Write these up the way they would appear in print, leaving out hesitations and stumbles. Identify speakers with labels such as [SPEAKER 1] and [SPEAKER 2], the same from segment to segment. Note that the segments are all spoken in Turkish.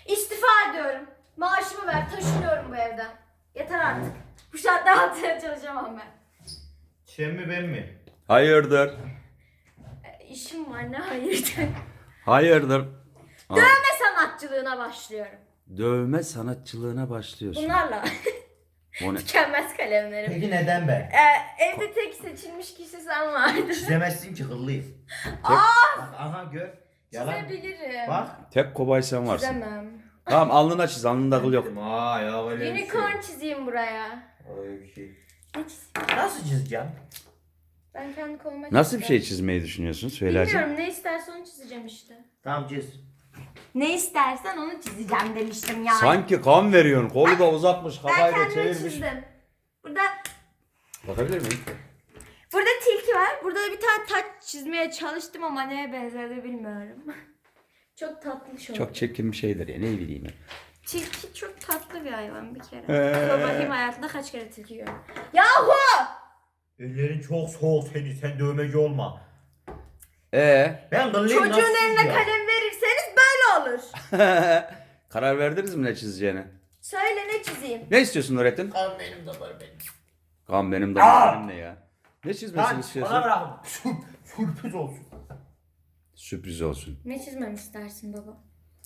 [SPEAKER 1] İstifa ediyorum. Maaşımı ver, taşınıyorum bu evden. Yeter artık. Bu saatte altına çalışamam ben.
[SPEAKER 2] Sen mi ben mi?
[SPEAKER 3] Hayırdır?
[SPEAKER 1] İşim var, ne hayırdır.
[SPEAKER 3] Hayırdır? Aa,
[SPEAKER 1] Dövme sanatçılığına başlıyorum.
[SPEAKER 3] dövme sanatçılığına başlıyorsun.
[SPEAKER 1] Bunlarla.
[SPEAKER 3] O ne?
[SPEAKER 1] Tükenmez kalemlerim.
[SPEAKER 2] Peki neden ben?
[SPEAKER 1] Evde tek seçilmiş kişi sen vardın.
[SPEAKER 2] Çizemezsin ki hıllıyım. Bak, aha gör. Yalan.
[SPEAKER 1] Çizebilirim.
[SPEAKER 2] Bak.
[SPEAKER 3] Tek kobay sen varsın.
[SPEAKER 1] Çizemem.
[SPEAKER 3] Tamam alnına çiz. Alnında kıl yok.
[SPEAKER 2] Aa ya öyle bir şey.
[SPEAKER 1] Unicorn çizeyim buraya.
[SPEAKER 2] Öyle bir şey.
[SPEAKER 1] Ne çizeyim?
[SPEAKER 2] Nasıl çizeceğim?
[SPEAKER 1] Ben kendi koluma
[SPEAKER 3] Nasıl bir şey
[SPEAKER 1] çizeceğim.
[SPEAKER 3] çizmeyi düşünüyorsun? Söylersen.
[SPEAKER 1] Bilmiyorum, ne istersen onu çizeceğim işte.
[SPEAKER 2] Tamam çiz.
[SPEAKER 1] Ne istersen onu çizeceğim demiştim yani.
[SPEAKER 3] Sanki kan veriyorsun. Kolu da uzatmış.
[SPEAKER 1] Ben
[SPEAKER 3] Kafayı da
[SPEAKER 1] kendime
[SPEAKER 3] çevirmiş.
[SPEAKER 1] çizdim. Burada
[SPEAKER 3] Bakabilir miyim?
[SPEAKER 1] tilki var. Burada da bir tane taç çizmeye çalıştım ama neye benzedi bilmiyorum. Çok tatlı şu.
[SPEAKER 3] Çok çirkin bir şeydir ya. Ne bileyim ya.
[SPEAKER 1] Tilki çok tatlı bir hayvan bir kere.
[SPEAKER 3] Ee.
[SPEAKER 1] Dur bakayım hayatında kaç kere tilki gördün. Yahu!
[SPEAKER 2] Ellerin çok soğuk senin. Sen dövmeci olma. Ben kıllıyım.
[SPEAKER 1] Çocuğun
[SPEAKER 2] nasıl
[SPEAKER 1] eline
[SPEAKER 2] çizeceğim?
[SPEAKER 1] kalem verirseniz böyle olur.
[SPEAKER 3] Karar verdiniz mi ne çizeceğine?
[SPEAKER 1] Söyle ne çizeyim?
[SPEAKER 3] Ne istiyorsun Nurettin?
[SPEAKER 2] Kan benim damarım benim.
[SPEAKER 3] Kan benim damarım ne ya? Ne çizmesini
[SPEAKER 2] Bana
[SPEAKER 3] istiyorsun?
[SPEAKER 2] bırak. Sürpriz olsun.
[SPEAKER 3] Sürpriz olsun.
[SPEAKER 1] Ne çizmemi istersin baba?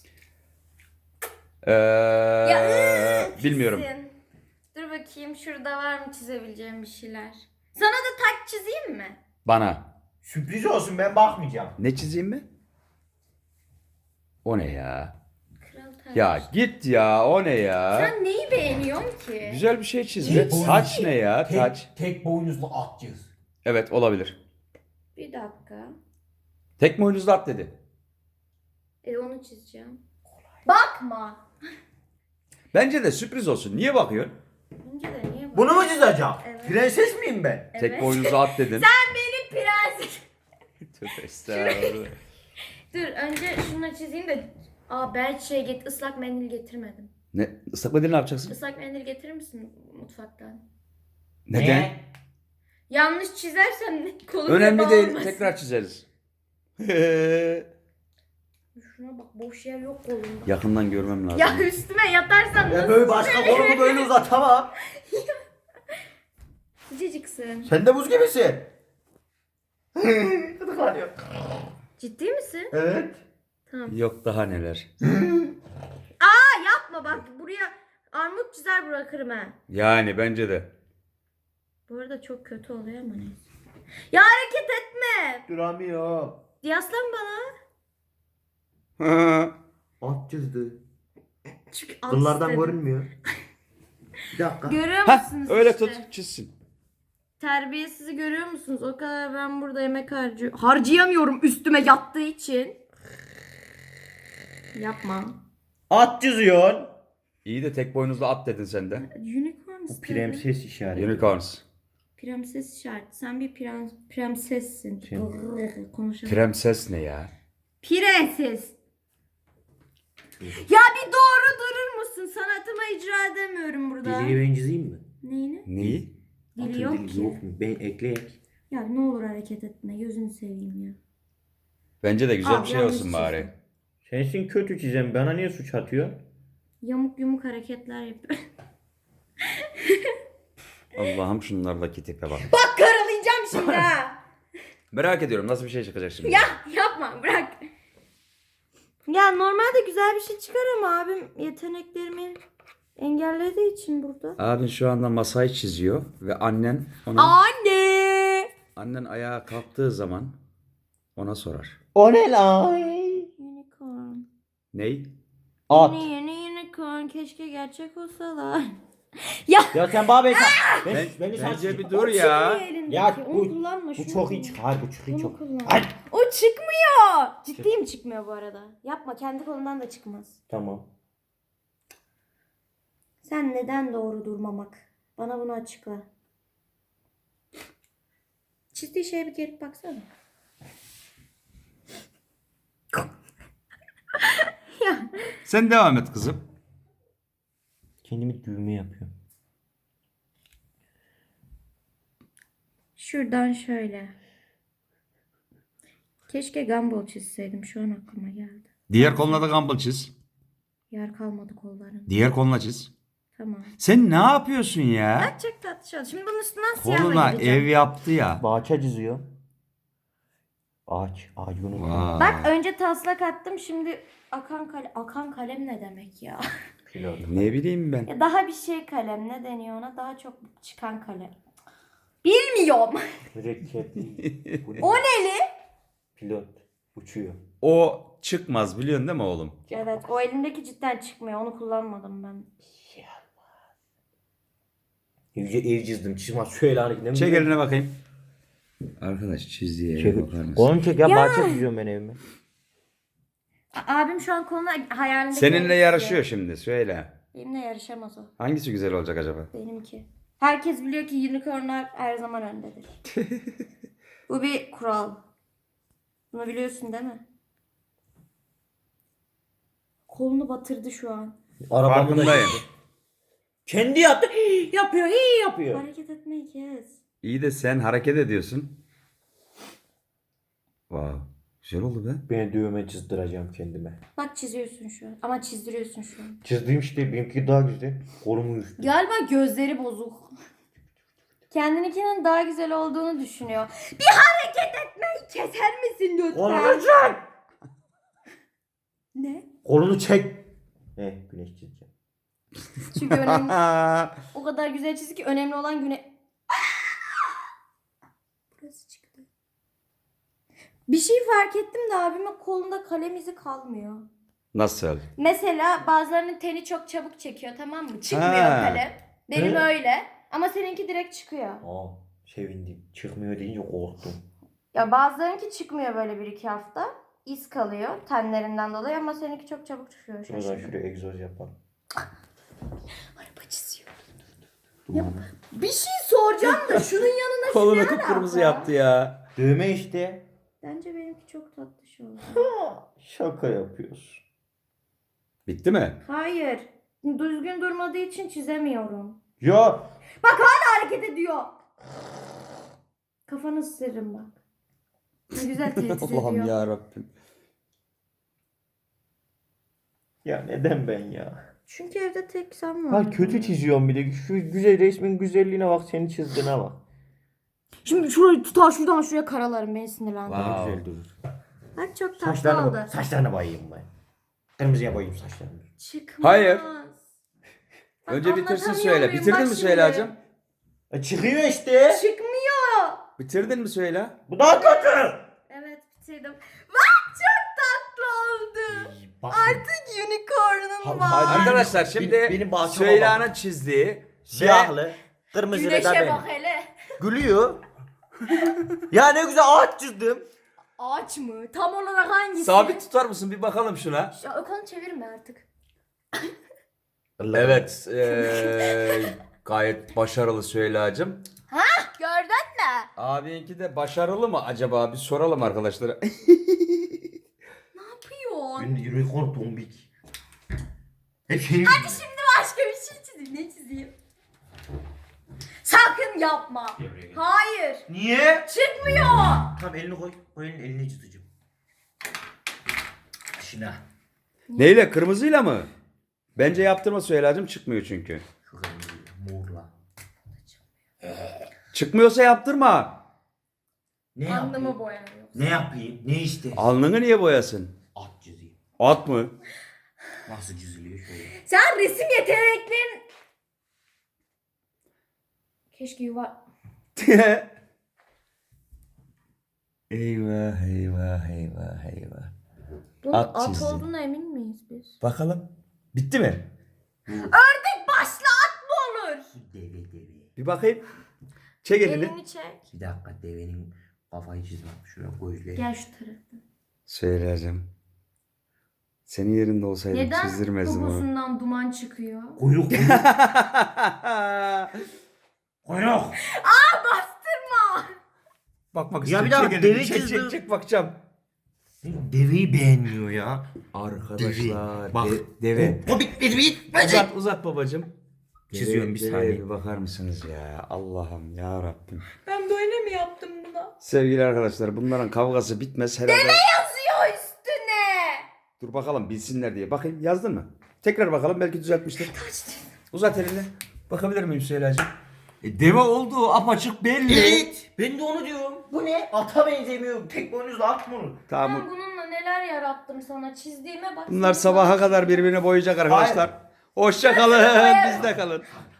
[SPEAKER 3] Bilmiyorum.
[SPEAKER 1] Çizsin. Dur bakayım şurada var mı çizebileceğim bir şeyler. Sana da taç çizeyim mi?
[SPEAKER 3] Bana.
[SPEAKER 2] Sürpriz olsun ben bakmayacağım.
[SPEAKER 3] Ne çizeyim mi? O ne ya?
[SPEAKER 1] Kral taç.
[SPEAKER 3] Ya git ya o ne ya?
[SPEAKER 1] Sen neyi beğeniyorsun ki?
[SPEAKER 3] Güzel bir şey çiz be.
[SPEAKER 2] Tek-
[SPEAKER 3] Taç ne ya? Taç.
[SPEAKER 2] Tek boynuzlu at çiz.
[SPEAKER 3] Evet olabilir.
[SPEAKER 1] Bir dakika.
[SPEAKER 3] Tek boynuzlu at dedi.
[SPEAKER 1] Onu çizeceğim. Bakma.
[SPEAKER 3] Bence de sürpriz olsun. Niye bakıyorsun?
[SPEAKER 1] Bence de niye bak?
[SPEAKER 2] Bunu mu çizeceğim?
[SPEAKER 1] Evet.
[SPEAKER 2] Prenses miyim ben?
[SPEAKER 1] Evet.
[SPEAKER 3] Tek boynuzlu at dedin.
[SPEAKER 1] Sen benim prenses.
[SPEAKER 3] Tövbe estağfurullah.
[SPEAKER 1] Dur önce şunu çizeyim de. Ben ıslak mendil getirmedim.
[SPEAKER 3] Ne? Islak mendil ne yapacaksın?
[SPEAKER 1] Islak mendil getirir misin mutfaktan?
[SPEAKER 3] Neden?
[SPEAKER 1] Yanlış çizersem kolum
[SPEAKER 3] Önemli
[SPEAKER 1] yaba
[SPEAKER 3] değil.
[SPEAKER 1] olmasın.
[SPEAKER 3] Tekrar çizeriz.
[SPEAKER 1] Şuna bak, boş yer yok kolumda.
[SPEAKER 3] Yakından görmem lazım.
[SPEAKER 1] Ya üstüme yatarsan
[SPEAKER 2] Ya
[SPEAKER 1] nasıl
[SPEAKER 2] böyle başka kolumu böyle uzatamam.
[SPEAKER 1] Sıcacıksın.
[SPEAKER 2] Sen de buz gibisin. Gıdıklanıyor.
[SPEAKER 1] Ciddi misin?
[SPEAKER 2] Evet.
[SPEAKER 1] Tamam.
[SPEAKER 3] Yok daha neler.
[SPEAKER 1] Yapma bak, buraya armut çizer bırakırım ha.
[SPEAKER 3] Yani bence de.
[SPEAKER 1] Bu arada çok kötü oluyor ama neyse. Ya hareket etme.
[SPEAKER 2] Duramıyor.
[SPEAKER 1] Yaslan bana.
[SPEAKER 2] At çizdi.
[SPEAKER 1] Çünkü al
[SPEAKER 2] Kıllardan
[SPEAKER 1] istedim.
[SPEAKER 2] görünmüyor. Bir dakika.
[SPEAKER 1] Görüyor
[SPEAKER 3] Hah
[SPEAKER 1] musunuz
[SPEAKER 3] öyle
[SPEAKER 1] işte?
[SPEAKER 3] tut çizsin.
[SPEAKER 1] Terbiyesizi görüyor musunuz? O kadar ben burada yemek harcayamıyorum üstüme yattığı için. Yapma.
[SPEAKER 2] At çiziyorsun.
[SPEAKER 3] İyi de tek boynuzlu at dedin sen de.
[SPEAKER 1] Unicorn
[SPEAKER 2] Bu
[SPEAKER 1] istedi.
[SPEAKER 2] prenses işareti.
[SPEAKER 3] Unicorns.
[SPEAKER 1] Prenses işareti. Sen bir prensessin. Konuşalım.
[SPEAKER 3] Prenses ne ya?
[SPEAKER 1] Prenses. Ya bir doğru durur musun? Sanatıma icra edemiyorum burada.
[SPEAKER 2] Diliyi ben çizeyim mi?
[SPEAKER 1] Neyini?
[SPEAKER 3] Neyi?
[SPEAKER 1] Dili
[SPEAKER 2] Atın
[SPEAKER 1] yok
[SPEAKER 2] dili
[SPEAKER 1] ki.
[SPEAKER 2] yok mu? Ben ekleyek.
[SPEAKER 1] Ya ne olur hareket etme. Gözünü seveyim ya.
[SPEAKER 3] Bence de güzel
[SPEAKER 1] Abi,
[SPEAKER 3] bir şey
[SPEAKER 1] yanlış
[SPEAKER 3] olsun bari.
[SPEAKER 1] çizdim.
[SPEAKER 2] Sensin kötü çizen. Bana niye suç atıyor?
[SPEAKER 1] Yamuk yumuk hareketler yapıyor.
[SPEAKER 3] Allah'ım şunlardaki tipe bak.
[SPEAKER 1] Bak karalayacağım şimdi ha.
[SPEAKER 3] Merak ediyorum nasıl bir şey çıkacak şimdi.
[SPEAKER 1] Ya yapma, bırak. Ya normalde güzel bir şey çıkar ama abim yeteneklerimi engellediği için burada.
[SPEAKER 3] Abin şu anda masayı çiziyor ve annen ona
[SPEAKER 1] Anne.
[SPEAKER 3] ayağa kalktığı zaman ona sorar.
[SPEAKER 2] O ne lan?
[SPEAKER 1] Unicorn.
[SPEAKER 3] Ney?
[SPEAKER 2] At.
[SPEAKER 1] Yeni unicorn, keşke gerçek olsalar. Ya
[SPEAKER 2] Ya sen bana beni
[SPEAKER 3] Bence bir dur ya.
[SPEAKER 2] Ya
[SPEAKER 1] onu
[SPEAKER 2] bu,
[SPEAKER 1] kullanma.
[SPEAKER 2] bu
[SPEAKER 1] şunu
[SPEAKER 2] çok
[SPEAKER 1] kullan.
[SPEAKER 2] iyi çıkar. Bu çok iyi
[SPEAKER 1] Bunu
[SPEAKER 2] çok.
[SPEAKER 1] kullan.
[SPEAKER 2] Ay.
[SPEAKER 1] O çıkmıyor. Ciddiyim, çıkmıyor bu arada. Yapma, kendi kolundan da çıkmaz.
[SPEAKER 2] Tamam.
[SPEAKER 1] Sen neden doğru durmamak? Bana bunu açıkla. Çizdiği şeye bir gelip baksana. Ya.
[SPEAKER 3] Sen devam et kızım.
[SPEAKER 2] Kendimi düğme yapıyorum.
[SPEAKER 1] Şuradan şöyle. Keşke Gumball çizseydim. Şu an aklıma geldi.
[SPEAKER 3] Diğer koluna da gumball çiz.
[SPEAKER 1] Yer kalmadı kolların.
[SPEAKER 3] Diğer koluna çiz.
[SPEAKER 1] Tamam.
[SPEAKER 3] Sen ne yapıyorsun ya?
[SPEAKER 1] Bak çok tatlı oldu. Şimdi bunun üstünden siyahla
[SPEAKER 3] Koluna
[SPEAKER 1] gideceğim.
[SPEAKER 3] ev yaptı ya.
[SPEAKER 2] Ağaça çiziyor. Ağaç unuttum.
[SPEAKER 3] Vay.
[SPEAKER 1] Bak önce taslak attım, şimdi akan kalem ne demek ya?
[SPEAKER 2] Pilot.
[SPEAKER 3] Ne bileyim ben.
[SPEAKER 1] Ya daha bir şey kalem, ne deniyor ona? Daha çok çıkan kalem. Bilmiyorum.
[SPEAKER 2] Mürekkep. Bu ne?
[SPEAKER 1] O neli?
[SPEAKER 2] Pilot. Uçuyor.
[SPEAKER 3] O çıkmaz biliyorsun değil mi oğlum?
[SPEAKER 1] Evet, o elimdeki cidden çıkmıyor. Onu kullanmadım ben.
[SPEAKER 2] Ev çizdim. Çizmez şöyle hani.
[SPEAKER 3] Çek eline bakayım. Arkadaş çizdiği eve bakar mısın?
[SPEAKER 2] Oğlum çek ya. Bahçe çiziyorum ben evime.
[SPEAKER 1] Abim şu an koluna hayalindeki...
[SPEAKER 3] Seninle yarışıyor şimdi söyle.
[SPEAKER 1] Benimle yarışamaz o.
[SPEAKER 3] Hangisi güzel olacak acaba?
[SPEAKER 1] Benimki. Herkes biliyor ki unicornlar her zaman öndedir. Bu bir kural. Bunu biliyorsun değil mi? Kolunu batırdı şu an.
[SPEAKER 2] Arabamı da
[SPEAKER 3] Farkındayım.
[SPEAKER 2] çizdi. Kendi yaptı. Yapıyor. Yapıyor.
[SPEAKER 1] Hareket etmeyi kes.
[SPEAKER 3] İyi de sen hareket ediyorsun. Wow. Güzel oldu be.
[SPEAKER 2] Ben dövme çizdireceğim kendime.
[SPEAKER 1] Bak çiziyorsun şu an. Ama çizdiriyorsun şu an.
[SPEAKER 2] Çizdiğim işte benimki daha güzel. Kolumu üstü.
[SPEAKER 1] Galiba gözleri bozuk. Kendininkinin daha güzel olduğunu düşünüyor. Bir hareket etmeyi keser misin lütfen?
[SPEAKER 2] Kolunu çek.
[SPEAKER 1] Ne?
[SPEAKER 2] Kolunu çek. Güneş çizeceğim.
[SPEAKER 1] Çünkü önemli. O kadar güzel çizdi ki önemli olan güne... Burası çıktı. Bir şey fark ettim de abimin kolunda kalem izi kalmıyor.
[SPEAKER 3] Nasıl?
[SPEAKER 1] Mesela bazılarının teni çok çabuk çekiyor, tamam mı? Çıkmıyor
[SPEAKER 3] Ha.
[SPEAKER 1] kalem. Benim
[SPEAKER 2] He?
[SPEAKER 1] öyle. Ama seninki direkt çıkıyor.
[SPEAKER 2] Sevindim. Çıkmıyor deyince korktum.
[SPEAKER 1] Ya bazılarınki çıkmıyor böyle 1-2 hafta. İz kalıyor tenlerinden dolayı ama seninki çok çabuk çıkıyor.
[SPEAKER 2] Şuradan
[SPEAKER 1] Şaşırdım.
[SPEAKER 2] şuraya egzoz yapalım.
[SPEAKER 1] Araba çiziyor. Ya, bir şey soracağım da şunun yanına
[SPEAKER 3] Kolunu
[SPEAKER 1] ne
[SPEAKER 3] kıpkırmızı
[SPEAKER 1] alaka?
[SPEAKER 3] yaptı ya.
[SPEAKER 2] Dövme işte.
[SPEAKER 1] Bence benimki çok tatlı şey oldu.
[SPEAKER 2] Şaka yapıyorsun.
[SPEAKER 3] Bitti mi?
[SPEAKER 1] Hayır. Düzgün durmadığı için çizemiyorum.
[SPEAKER 2] Ya.
[SPEAKER 1] Hareket ediyor. Kafanı ısırırım bak. Ne güzel tehdit
[SPEAKER 3] Allah'ım
[SPEAKER 1] ediyor.
[SPEAKER 3] ya Rabbim.
[SPEAKER 2] Ya neden ben ya?
[SPEAKER 1] Çünkü evde tek sen var.
[SPEAKER 2] Ha kötü çiziyorum bir de. Şu güzel resmin güzelliğine bak, senin çizdiğine bak.
[SPEAKER 1] Şimdi şurayı tutar şuradan şuraya karalarım, beni sinirlendirdi.
[SPEAKER 3] Wow.
[SPEAKER 2] Güzel durur.
[SPEAKER 1] Bak çok tatlı oldu.
[SPEAKER 2] Saçlarına bayayım ben. Kırmızıya bayayım saçlarını.
[SPEAKER 1] Çıkmaz.
[SPEAKER 3] Hayır.
[SPEAKER 1] Bak,
[SPEAKER 3] Önce bitirsin
[SPEAKER 1] anlatamıyor
[SPEAKER 3] söyle.
[SPEAKER 1] muyum?
[SPEAKER 3] Bitirdin
[SPEAKER 1] Bak
[SPEAKER 3] mi
[SPEAKER 1] şimdi.
[SPEAKER 3] Süheyla'cığım?
[SPEAKER 2] Çıkıyor işte.
[SPEAKER 1] Çıkmıyor.
[SPEAKER 3] Bitirdin mi Süheyla?
[SPEAKER 2] Bu daha kötü.
[SPEAKER 1] Evet bitirdim. Bak çok tatlı oldu.
[SPEAKER 2] Bak.
[SPEAKER 1] Artık unicorn'un var.
[SPEAKER 2] hadi.
[SPEAKER 3] Arkadaşlar şimdi
[SPEAKER 2] benim bahçeme
[SPEAKER 3] Süheyla'nın çizdiği
[SPEAKER 2] Siyahlı. Kırmızı da
[SPEAKER 1] Güneşe
[SPEAKER 2] benim.
[SPEAKER 1] bak hele.
[SPEAKER 2] Gülüyor. Ya ne güzel ağaç çizdim.
[SPEAKER 1] Ağaç mı? Tam olarak hangisi?
[SPEAKER 3] sabit tutar mısın bir bakalım şuna.
[SPEAKER 1] Ya Okan'ı çevirme artık.
[SPEAKER 3] Evet. Gayet başarılı Süheyla'cığım.
[SPEAKER 1] Gördün mü?
[SPEAKER 3] Abinki de başarılı mı acaba? Bir soralım arkadaşlara.
[SPEAKER 1] Ne yapıyorsun?
[SPEAKER 2] Unicorn tombik. Hep şey.
[SPEAKER 1] Hadi şimdi başka bir şey çizeyim. Ne çizeyim? Sakın yapma. Hayır.
[SPEAKER 2] Niye?
[SPEAKER 1] Çıkmıyor.
[SPEAKER 2] Tamam elini koy. O elini çizeceğim. Şuna.
[SPEAKER 3] Neyle? Kırmızıyla mı? Bence yaptırma Süheyla'cığım, çıkmıyor çünkü.
[SPEAKER 2] Şu kırmızı morla.
[SPEAKER 3] Çıkmıyorsa yaptırma.
[SPEAKER 2] Ne
[SPEAKER 1] Alnımı
[SPEAKER 2] yapayım?
[SPEAKER 1] boyanıyor.
[SPEAKER 2] Ne yapayım? Ne işte?
[SPEAKER 3] Alnını niye boyasın?
[SPEAKER 2] At çizeyim.
[SPEAKER 3] At mı?
[SPEAKER 2] Nasıl çiziliyor şöyle?
[SPEAKER 1] Sen resim yeteneklerin... Keşke
[SPEAKER 3] Eyvah eyvah eyvah eyvah.
[SPEAKER 1] Bunun
[SPEAKER 3] At
[SPEAKER 1] at
[SPEAKER 3] çizdi.
[SPEAKER 1] olduğuna emin miyiz biz?
[SPEAKER 3] Bakalım. Bitti mi?
[SPEAKER 1] Ördek başlı at mı olur?
[SPEAKER 2] Deve.
[SPEAKER 3] Bir bakayım. Çek elini.
[SPEAKER 1] Elini çek.
[SPEAKER 2] Bir dakika, devenin kafayı çizmem. Şuraya gözleri.
[SPEAKER 1] Gel şu taraftan.
[SPEAKER 3] Söyleyeceğim. Senin yerinde olsaydım
[SPEAKER 1] Neden
[SPEAKER 3] çizdirmezdim onu.
[SPEAKER 1] poposundan duman çıkıyor?
[SPEAKER 2] Kuyruk. Kuyruk.
[SPEAKER 1] Bastırma.
[SPEAKER 3] Bakmak
[SPEAKER 2] Ya
[SPEAKER 3] istiyorum.
[SPEAKER 2] bir daha
[SPEAKER 3] Çek elini.
[SPEAKER 2] deve
[SPEAKER 3] Çek,
[SPEAKER 2] çizdim.
[SPEAKER 3] çek bakacağım.
[SPEAKER 2] Deveyi beğenmiyor ya.
[SPEAKER 3] Arkadaşlar.
[SPEAKER 2] Bak.
[SPEAKER 3] Deve.
[SPEAKER 2] O bitmedi.
[SPEAKER 3] Uzat babacığım.
[SPEAKER 2] Çiziyorum bir
[SPEAKER 3] Deveye
[SPEAKER 2] saniye.
[SPEAKER 3] bir bakar mısınız ya? Allah'ım ya Rabbim.
[SPEAKER 1] Ben böyle mi yaptım buna?
[SPEAKER 3] Sevgili arkadaşlar, bunların kavgası bitmez herhalde.
[SPEAKER 1] Yazıyor üstüne.
[SPEAKER 3] Dur bakalım bilsinler diye. Bakayım, yazdın mı? Tekrar bakalım belki düzeltmiştir. Uzat elini. Bakabilir miyim Süheyla'cığım?
[SPEAKER 2] Deve olduğu apaçık belli.
[SPEAKER 4] Evet. Ben de onu diyorum. Bu ne? Ata benzemiyor. Tek boynuzlu at mı onu?
[SPEAKER 3] Tamam.
[SPEAKER 1] Ben bununla neler yarattım sana. Çizdiğime bak.
[SPEAKER 3] Bunlar sabaha kadar birbirine boyayacak arkadaşlar. Hoşça kalın. Bizde kalın.